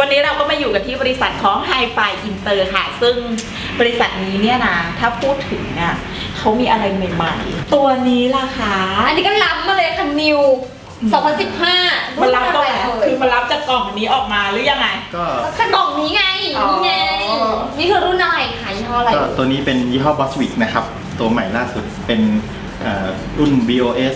วันนี้เราก็มาอยู่กันที่บริษัทของ Hi-Fi Inter ค่ะซึ่งบริษัทนี้เนี่ยนะถ้าพูดถึงเนี่ยเขามีอะไรใหม่ๆตัวนี้ล่ะคะอันนี้ก็ล้ำมาเลยค่ะนิว2015 มันรับตรงไหนคือมันรับจากกล่องนี้ออกมาหรือยังไงก็กล่องนี้ไงนี่ไงนี่คือรุ่นอะไรคะยี่ห้ออะไรตัวนี้เป็นยี่ห้อ Boswick นะครับตัวใหม่ล่าสุดเป็นรุ่น BOS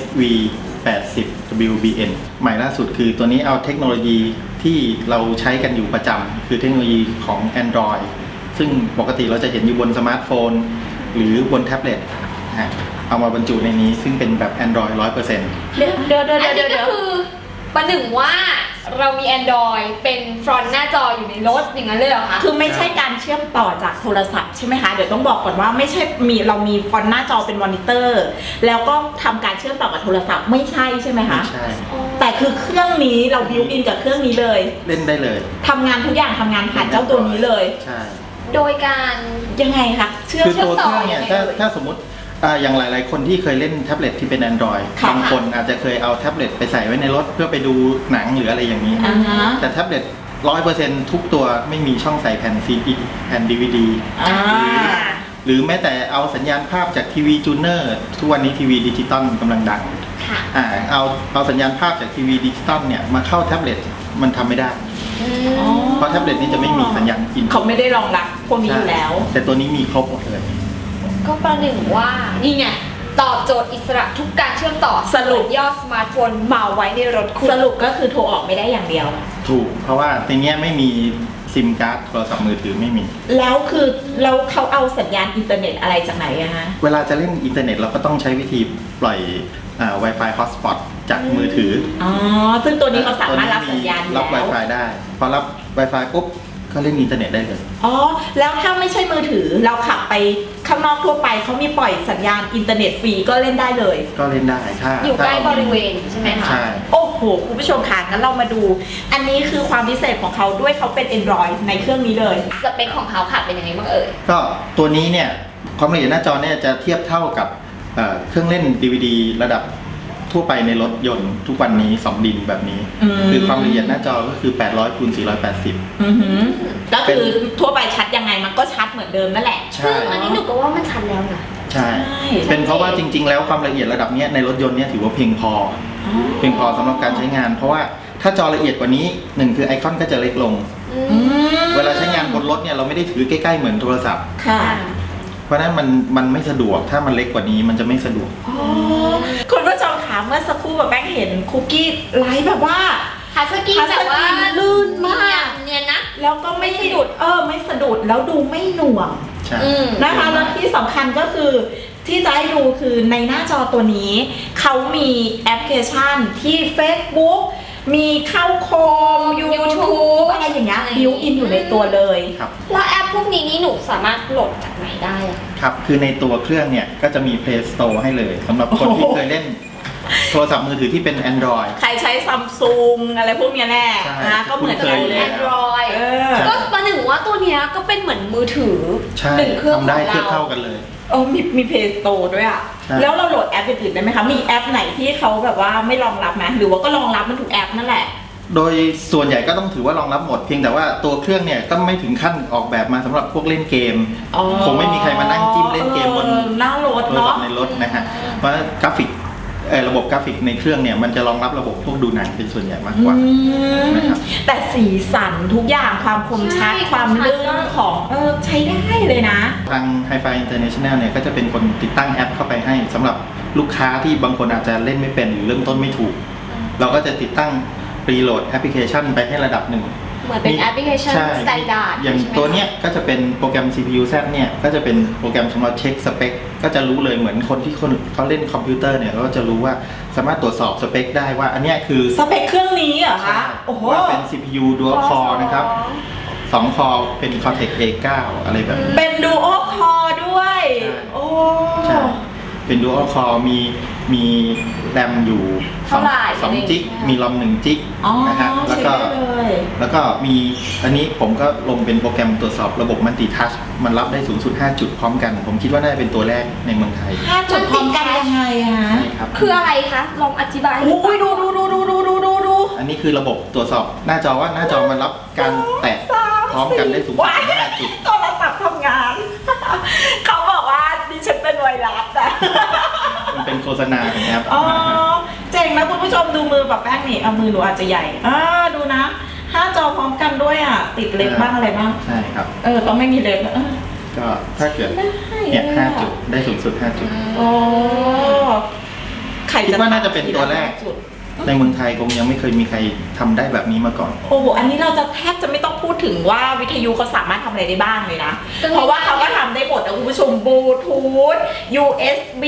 V80 WBN ใหม่ล่าสุดคือตัวนี้เอาเทคโนโลยีที่เราใช้กันอยู่ประจำคือเทคโนโลยีของ Android ซึ่งปกติเราจะเห็นอยู่บนสมาร์ทโฟนหรือบนแท็บเล็ตเอามาบรรจุในนี้ซึ่งเป็นแบบ Android 100% เดี๋ยวก็คือประหนึ่งว่าเรามี Android เป็นฟรอนต์หน้าจออยู่ในรถอย่างนั้นเลยเหรอคะคือไม่ใช่การเชื่อมต่อจากโทรศัพท์ใช่ไหมคะเดี๋ยวต้องบอกก่อนว่าไม่ใช่เรามีฟอนต์หน้าจอเป็นมอนิเตอร์แล้วก็ทำการเชื่อมต่อกับโทรศัพท์ไม่ใช่ใช่ไหมคะไม่ใช่แต่คือเครื่องนี้เราบิวอินกับเครื่องนี้เลยเล่นได้เลยทำงานทุกอย่างทำงานผ่านเจ้าตัวนี้เลยใช่โดยการยังไงคะเชื่อมต่อเนี่ยถ้าสมมติอย่างหลายๆคนที่เคยเล่นแท็บเล็ตที่เป็น Android บางคนอาจจะเคยเอาแท็บเล็ตไปใส่ไว้ในรถเพื่อไปดูหนังหรืออะไรอย่างนี้แต่แท็บเล็ต100%ทุกตัวไม่มีช่องใส่แผ่น CD แผ่น DVD หรือแม้แต่เอาสัญญาณภาพจากทีวีจูเนอร์ทุกวันนี้ทีวีดิจิตอลกำลังดังเอาสัญญาณภาพจากทีวีดิจิตอลเนี่ยมาเข้าแท็บเล็ตมันทำไม่ได้เพราะแท็บเล็ตนี้จะไม่มีสัญญาณอินเขาไม่ได้รองรับพวกนี้อยู่แล้วแต่ตัวนี้มีครบหมดเลยก็ประหนึ่งว่านี่ไงตอบโจทย์อิสระทุกการเชื่อมต่อสรุปยอดสมาร์ทโฟนมาไว้ในรถคุณสรุปก็คือโทรออกไม่ได้อย่างเดียวถูกเพราะว่าในนี้ไม่มีซิมการ์ดโทรศัพท์มือถือไม่มีแล้วคือแล้วเขาเอาสัญญาณอินเทอร์เน็ตอะไรจากไหนอะฮะเวลาจะเล่นอินเทอร์เน็ตเราก็ต้องใช้วิธีปล่อยWi-Fi hotspot จากมือถือซึ่งตัวนี้เขาสามารถรับสัญญาณรับ Wi-Fi ได้พอรับ Wi-Fi ปุ๊บก็เล่นอินเทอร์เน็ตได้เลยแล้วถ้าไม่ใช่มือถือเราขับไปข้างนอกทั่วไปเขามีปล่อยสัญญาณอินเทอร์เน็ตฟรีก็เล่นได้เลยก็เล่นได้ถ้าอยู่ใกล้บริเวณใช่ไหมคะใช่โอ้โหคุณผู้ชมค่ะงั้นเรามาดูอันนี้คือความพิเศษของเขาด้วยเขาเป็น Android ในเครื่องนี้เลยสเปคของเขาค่ะเป็นยังไงบ้างเอ่ยก็ตัวนี้เนี่ยความละเอียดหน้าจอเนี่ยจะเทียบเท่ากับเครื่องเล่น DVD ระดับทั่วไปในรถยนต์ทุกวันนี้2ดินแบบนี้คือความละเอียดหน้าจอก็คือ800 × 480 ก็คือทั่วไปชัดยังไงมันก็ชัดเหมือนเดิมนั่นแหละซึ่งอันนี้หนูก็ว่ามันชัดแล้วนะใช่เป็นเพราะว่าจริงๆแล้วความละเอียดระดับนี้ในรถยนต์เนี่ยถือว่าเพียงพอสำหรับการใช้งานเพราะว่าถ้าจอละเอียดกว่านี้1คือไอคอนก็จะเล็กลงเวลาใช้งานบนรถเนี่ยเราไม่ได้ถือใกล้ๆเหมือนโทรศัพท์เพราะนั้นมันไม่สะดวกถ้ามันเล็กกว่านี้มันจะไม่สะดวกคุณผู้ชมคะเมื่อสักครู่แบบแบงค์เห็นคุกกี้ไลฟ์แบบว่าฮัสกี้แบบว่าลื่นมากเนี่ยนะแล้วก็ไม่สะดุดไม่สะดุดแล้วดูไม่หน่วงนะคะแล้วที่สำคัญก็คือที่จะให้ดูคือในหน้าจอตัวนี้เขามีแอปพลิเคชันที่ Facebook มีเข้าโคม YouTube อะไรอย่างเงี้ยบิวอินอยู่ในตัวเลยแล้วแอปพวกนี้นี่หนูสามารถโหลดจากไหนได้ครับคือในตัวเครื่องเนี่ยก็จะมี Play Store ให้เลยสำหรับคนที่เคยเล่นโทรศัพท์มือถือที่เป็น Android ใครใช้ Samsung อะไรพวกนี้แน่นะก็เหมือนกันเลย Android ก็ประหนึ่งว่าตัวนี้ก็เป็นเหมือนมือถือหนึ่งเครื่องทำได้เทียบเท่ากันเลยมี Play Store ด้วยอ่ะแล้วเราโหลดแอปอื่นๆได้ไหมคะมีแอปไหนที่เขาแบบว่าไม่รองรับไหมหรือว่าก็รองรับมันทุกแอปนั่นแหละโดยส่วนใหญ่ก็ต้องถือว่ารองรับหมดเพียงแต่ว่าตัวเครื่องเนี่ยก็ไม่ถึงขั้นออกแบบมาสำหรับพวกเล่นเกมคงไม่มีใครมานั่งจิ้มเล่นเกมบนหน้ารถเนาะในรถนะฮะเพราะกราฟิกระบบกราฟิกในเครื่องเนี่ยมันจะรองรับระบบพวกดูหนังเป็นส่วนใหญ่มากกว่านะครับแต่สีสันทุกอย่างความคมชัดความลื่นของใช้ได้เลยนะทาง Hi-Fi International เนี่ยก็จะเป็นคนติดตั้งแอปเข้าไปให้สำหรับลูกค้าที่บางคนอาจจะเล่นไม่เป็นหรือเริ่มต้นไม่ถูกเราก็จะติดตั้งรีโหลดแอปพลิเคชันไปให้ระดับหนึ่งเหมือนเป็นแอปพลิเคชันสแตนดาร์ดอย่างตัวเนี้ยก็จะเป็นโปรแกรม CPU Z เนี่ยก็จะเป็นโปรแกรมสำหรับเช็คสเปคก็จะรู้เลยเหมือนคนที่เขาเล่นคอมพิวเตอร์เนี่ยก็จะรู้ว่าสามารถตรวจสอบสเปคได้ว่าอันเนี้ยคือสเปคเครื่องนี้เหรอคะว่าเป็น CPU Dual Core นะครับ2 คอร์เป็น Cortex A9 อะไรแบบนี้เป็น Dual Core ด้วยใช่เป็น Dual Core มีแรมอยู่2 จิกมีรอม1 จิกนะฮะแล้วก็มีอันนี้ผมก็ลงเป็นโปรแกรมตรวจสอบระบบมัลติทัชมันรับได้สูงสุด5 จุดพร้อมกันผมคิดว่าน่าจะเป็นตัวแรกในเมืองไทย 5 จุดพร้อมกันยังไงฮะคืออะไรคะลองอธิบายให้ดูอันนี้นี้คือระบบตรวจสอบหน้าจอว่าหน้าจอมันรับการแตะพร้อมกันได้สูงสุด5 จุดโทรศัพท์ทำงาน เขาบอกว่าดิฉันเป็นไวรัสอะมันเป็นโฆษณาของแอปอ๋อเจ๋งนะคุณผู้ชมดูมือแบบแป้งนี่เอามือหนูอาจจะใหญ่ดูนะ5 จอพร้อมกันด้วยอ่ะติดเล็บบ้างอะไรบ้างใช่ครับต้องไม่มีเล็บก็ถ้าเกิดเนี่ย5 จุดได้สูงสุด5 จุดโอ้ใครคิดว่าน่าจะเป็นตัวแรกจุดในเมืองไทยคงยังไม่เคยมีใครทำได้แบบนี้มาก่อนโอ้โหอันนี้เราจะแทบจะไม่ต้องพูดถึงว่าวิทยุเขาสามารถทำอะไรได้บ้างเลยนะก็ง่ายๆเพราะว่าเขาก็ทำได้หมดนะคุณผู้ชมบลูทูธ USB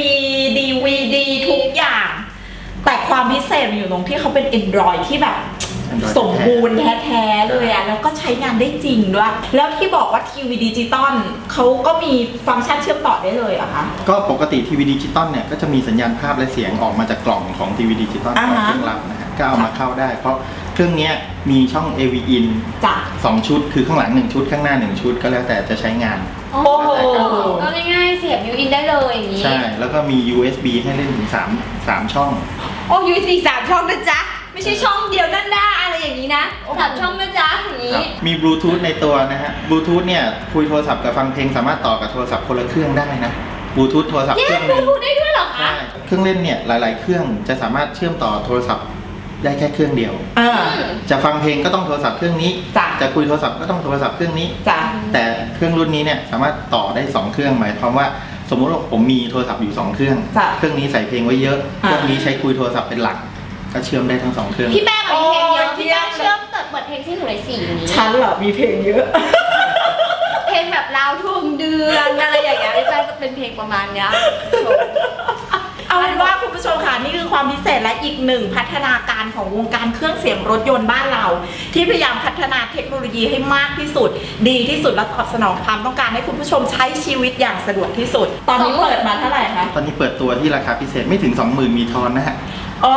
DVD ทุกอย่าง แต่ความพิเศษมันอยู่ตรงที่เขาเป็น Android ที่แบบ Android สมบูรณ์แท้ๆเลยอะแล้วก็ใช้งานได้จริงด้วย แล้วที่บอกว่าทีวีดิจิตอลเขาก็มีฟังก์ชันเชื่อมต่อได้เลยเหรอคะก็ปกติทีวีดิจิตอลเนี่ยก็จะมีสัญญาณภาพและเสียงออกมาจากกล่องของทีวีดิจิตอลอ่าของฮะเครื่องรับนะฮะก็เอามาเข้าได้ เพราะเครื่องเนี้ยมีช่อง AV in จ้ะ 2 ชุดคือข้างหลัง1 ชุดข้างหน้า1 ชุดก็แล้วแต่จะใช้งานโอ้โหก็ง่ายๆเสียบยูอินได้เลยอย่างนี้ใช่แล้วก็มี USB ให้เล่นถึง3 ช่องโอ้ USB 3 ช่องนะจ๊ะไม่ใช่ช่องเดียวด้านหน้าอะไรอย่างนี้นะ3 ช่องนะจ๊ะอย่างนี้มีบลูทูธในตัวนะฮะบลูทูธเนี่ยคุยโทรศัพท์กับฟังเพลงสามารถต่อกับโทรศัพท์คนละเครื่องได้นะบลูทูธโทรศัพท์แยเครื่กองบหลูนึงทูธได้ด้วยเหรอคะใช่เครื่องเล่นเนี่ยหลาย ๆ เครื่องจะสามารถเชื่อมต่อโทรศัพท์ได้แค่เครื่องเดียว จะฟังเพลงก็ต้องโทรศัพท์เครื่องนี้จ้ะจะคุยโทรศัพท์ก็ต้องโทรศัพท์เครื่องนี้จ้ะแต่เครื่องรุ่นนี้เนี่ยสามารถต่อได้2 เครื่องหมายความว่าสมมุติว่าผมมีโทรศัพท์อยู่2 เครื่องจ้ะเครื่องนี้ใส่เพลงไว้เยอะเครื่องนี้ใช้คุยโทรศัพท์เป็นหลักก็เชื่อมได้ทั้ง2 เครื่องพี่แป้งมีเพลงเยอะโอ้ยพี่แป้งเยี่ยมเชื่อมเปิดเพลงที่หนูเลย4อย่างนี้ฉันเหรอมีเพลงเยอะเพลงแบบลาวทุ่งเดือนอะไรอย่างเงี้ยพี่แป้งจะเป็นเพลงประมาณเนี้ยเอาเป็นว่าคุณผู้ชมค่ะนี่คือความพิเศษและอีกหนึ่งพัฒนาการของวงการเครื่องเสียงรถยนต์บ้านเรา ที่พยายามพัฒนาเทคโนโลยีให้มากที่สุด ดีที่สุดและตอบสนองความต้องการให้คุณผู้ชมใช้ชีวิตอย่างสะดวกที่สุด ตอนนี้เปิดมาเท่าไหร่คะตอนนี้เปิดตัวที่ราคาพิเศษไม่ถึง 20,000 มีทอนนะฮะอ๋อ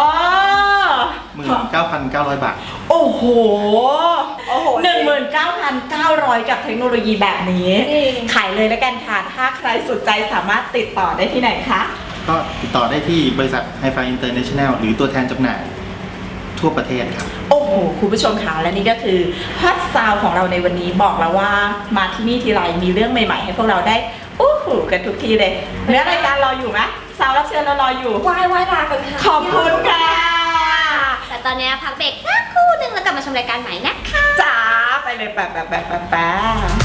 19,900 บาทโอ้โห19,900 กับเทคโนโลยีแบบนี้จริงขายเลยแล้วกันค่ะถ้าใครสนใจสามารถติดต่อได้ที่ไหนคะก็ติดต่อได้ที่บริษัท Hi-Fi International หรือตัวแทนจำหน่ายทั่วประเทศครับโอ้โหคุณผู้ชมค่ะและนี่ก็คือฮอตซาวของเราในวันนี้บอกแล้วว่ามาที่นี่ทีไรมีเรื่องใหม่ๆ ให้พวกเราได้อู้หูกันทุกทีเลยเนื้อรายการรออยู่ไหมสาวรับเชิญเรารออยู่วาลากันค่ะขอบคุณค่ะแต่ตอนนี้พักเบรกสักครู่หนึงแล้วกลับมาชมรายการใหม่นะคะจ้าไปเลยแป๊บ